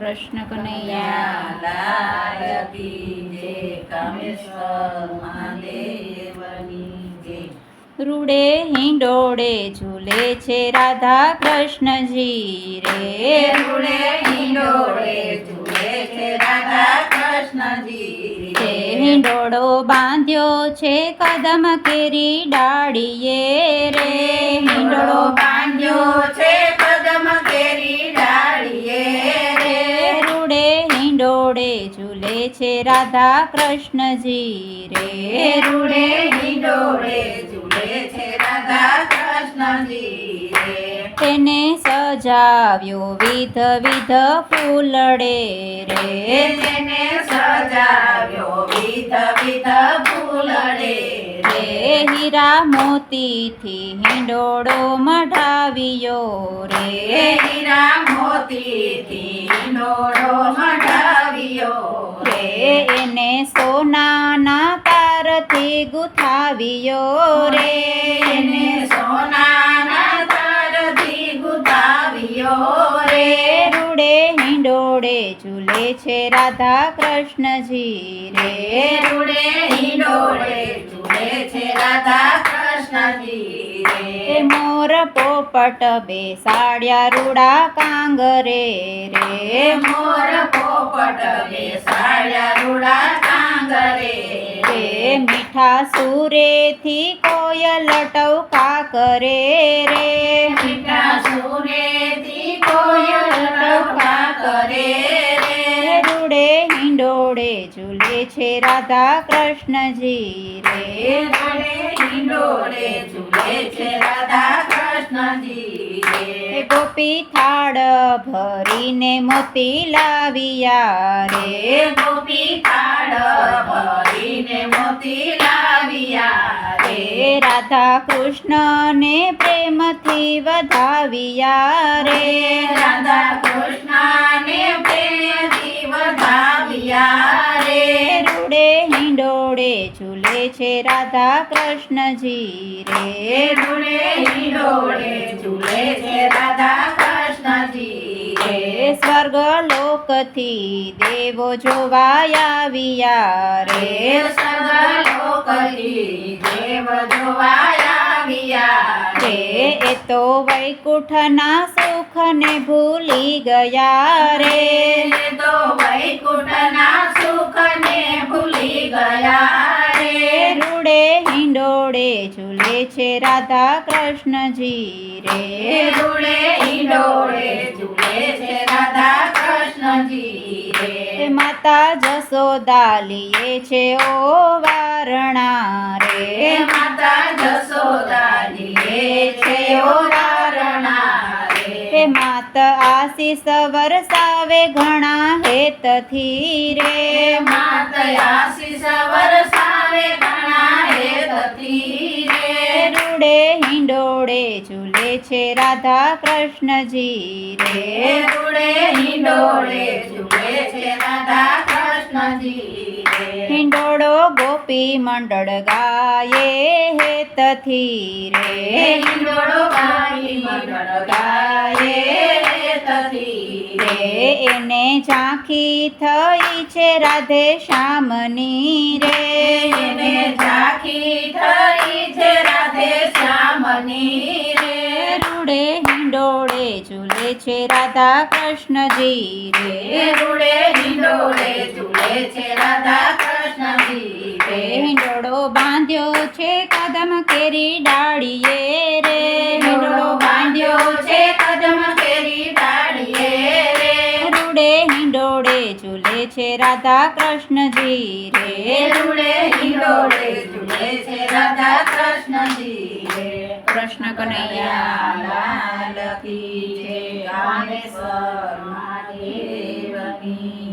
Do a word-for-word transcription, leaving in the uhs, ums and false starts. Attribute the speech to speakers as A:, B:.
A: કૃષ્ણ કનૈયા
B: લાલ કી જય, કામેશ્વર મહાદેવની જય.
A: રૂડે હિંડોળે ઝૂલે છે રાધા કૃષ્ણજી રે.
B: રૂડે હિંડોળે ઝૂલે છે રાધા કૃષ્ણજી
A: તે
B: રે.
A: હિંડોળો બાંધ્યો છે કદમ કેરી ડાળીએ રે.
B: હિંડોળો બાંધ્યો છે કદમ કેરી ડાળીએ રે.
A: રૂડે હિંડોળે ઝૂલે છે રાધા કૃષ્ણજી રે.
B: રૂડે હિંડોળે ઝૂલે છે રાધા કૃષ્ણજી રે.
A: તેને સજાવ્યો વિધ વિધ ફૂલડે રે.
B: તેને સજાવ્યો વિધ વિધ ફૂલડે
A: રે હીરા મોતીથી હિંડોળો મઢાવ્યો રે.
B: હીરા મોતીથી હિંડોળો મઢાવ્યો
A: રે એને સોનાના તારથી ગુથાવ્યો રે.
B: એને સોનાના તારથી ગુથાવ્યો રે.
A: રૂડે હિંડોળે ઝૂલે છે રાધા કૃષ્ણજી રે.
B: રૂડે હિંડોળે ઝૂલે છે રાધા કૃષ્ણજી રે.
A: એ મોર પોપટ બેસાડ્યા રૂડા કાંગરે રે.
B: મોર પોપટ બેસાડ્યા રૂડા કાંગરે
A: રે મીઠા સુરેથી કોયલ ટવકા કરે રે.
B: મીઠા સુરેથી કોયલ ટવકા કરે રે.
A: રૂડે હિંડોળે ઝૂલે છે રાધા કૃષ્ણજી રે.
B: રૂડે હિંડોળે ઝૂલે છે રાધા કૃષ્ણજી રે.
A: એ ગોપી થાળ ભરીને મોતી લાવ્યા રે.
B: ગોપી થાળ ભરીને મોતી લાવ્યા રે.
A: એ રાધા કૃષ્ણને પ્રેમથી વધાવ્યા રે.
B: રાધા કૃષ્ણને પ્રેમથી વધાવ્યા રે.
A: રૂડે હિંડોળે ઝૂલે છે રાધા કૃષ્ણજી રે.
B: રૂડે હિંડોળે ઝૂલે છે રાધા કૃષ્ણજી રે.
A: એ સ્વર્ગ લોકથી દેવો જોવા આવ્યા રે.
B: સર્વલોકથી દેવ જોવા આવ્યા
A: રે
B: રે.
A: એ તો વૈકુંઠના સુખને ભૂલી ગયા રે.
B: એ તો વૈકુંઠના સુખને ભૂલી ગયા રે.
A: રૂડે હિંડોળે ઝૂલે છે રાધા કૃષ્ણજી રે.
B: રૂડે હિંડોળે ઝૂલે છે રાધા કૃષ્ણજી
A: એ
B: રે.
A: માતા જસોદા લીએ છે ઓ વારણા
B: હે
A: રે.
B: માતા જસોદાની છે ઓ વારણા
A: હે
B: રે.
A: માત આશીષ વરસાવે ઘણા હેતથી રે.
B: માત આશીષ વરસાવે ઘણા હેતથી રે.
A: રૂડે હિંડોળે ઝૂલે છે રાધા કૃષ્ણજી રે.
B: રૂડે હિંડોળે ઝૂલે છે રાધા કૃષ્ણજી રે.
A: હિંડોળો ગોપી મંડળ ગાયે હેતથી રે.
B: હિંડોળો ગાઈ મંડળ ગાયે હેતથી
A: રે
B: રે.
A: એને ઝાંખી થઈ છે રાધે શ્યામની રે.
B: એને ઝાંખી થઈ છે રાધે શ્યામની રે.
A: રૂડે હિંડોળે ઝૂલે છે રાધા કૃષ્ણજી રે.
B: રૂડે હિંડોળે ઝૂલે છે રાધા કૃષ્ણજી
A: રે
B: રે.
A: હિંડોળો બાંધ્યો છે કદમ કેરી ડાળીએ રે.
B: હિંડોળો બાંધ્યો છે કદમ કેરી ડાળીએ રે.
A: રૂડે હિંડોળે ઝૂલે છે રાધા કૃષ્ણજી રે.
B: રૂડે હિંડોળે ઝૂલે છે રાધા કૃષ્ણજી રે.
A: કૃષ્ણ કનૈયા
B: લાલ કી જય, કામેશ્વર મહાદેવની